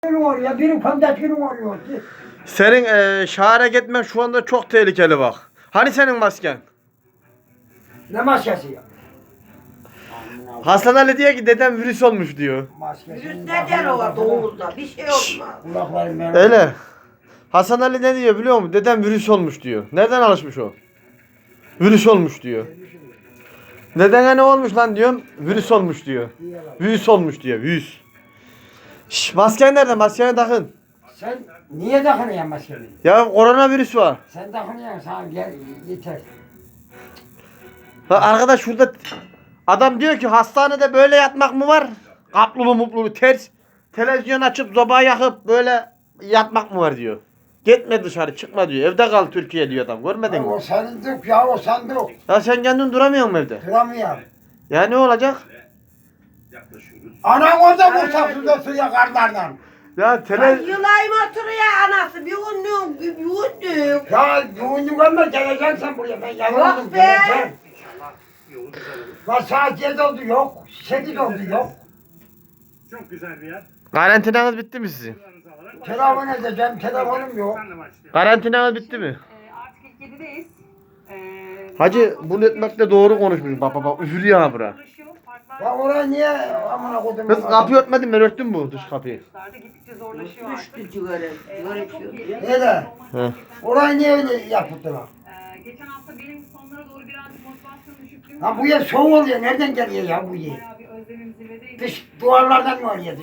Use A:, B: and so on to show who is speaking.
A: Oraya biri kontakini oluyor.
B: Senin şahane gitmen şu anda çok tehlikeli bak. Hani senin masken?
A: Ne maskesi ya?
B: Hasan Ali diyor ki dedem virüs olmuş diyor.
A: Maskesi.
C: Virüs ne der o doğumda? Bir şey olmaz.
A: Kulaklarım benim.
B: Öyle. Hasan Ali ne diyor biliyor musun? Dedem virüs olmuş diyor. Nereden alışmış o? Virüs olmuş diyor. Dedene ne olmuş lan diyorum. Virüs olmuş diyor. Virüs olmuş diyor. Virüs. Şş, masken nerede? Maskeni takın.
A: Sen niye takınıyorsun maskeni?
B: Ya koronavirüs var.
A: Sen takınıyorsun sana gel yeter.
B: Ha, arkadaş şurada adam diyor ki hastanede böyle yatmak mı var? Kaplulu muplulu ters. Televizyon açıp sobayı yakıp böyle yatmak mı var diyor. Gitme dışarı çıkma diyor. Evde kal Türkiye diyor adam. Görmedin
A: Ya,
B: mi?
A: o sandık ya o sandık.
B: Ya sen kendin duramıyor musun evde?
A: Duramıyorum.
B: Ya ne olacak?
A: Anam orada vursak suda suya karlardan.
B: Ya
C: Yılayım oturuyor anası. Bir unluyum, bir unluyum.
A: Ya yoğunluk ama geleceksin buraya. Ben yanıldım
C: Yok be.
A: geleceğim. Lan saat 7 oldu yok. 8 oldu yok.
D: Çok güzel bir yer.
B: karantinanız bitti mi sizin?
A: Telefon edeceğim telefonum yok.
B: Karantinanız bitti mi?
E: Artık ilk 7'deyiz.
B: Hacı bunu etmekle doğru konuşmuş. Bak bak bak üfürüyor ha bura.
A: Ya oraya niye amına koydum?
B: Kız kapıyı örtmedin ben örttüm bu dış kapıyı.
E: Gittikçe zorlaşıyor artık.
C: Düştü cigara. Cigara içiyor.
A: Neyle?
B: He.
A: Orayı niye öyle yaptılar?
E: Geçen hafta benim sonlara doğru birazcık motivasyon düşüklüğüm
A: Ha bu yer soğuk oluyor. Nereden geliyor ya bu yer?
E: bayağı bir özlemim zirvedeydi.
A: Dış duvarlardan mı oluyor?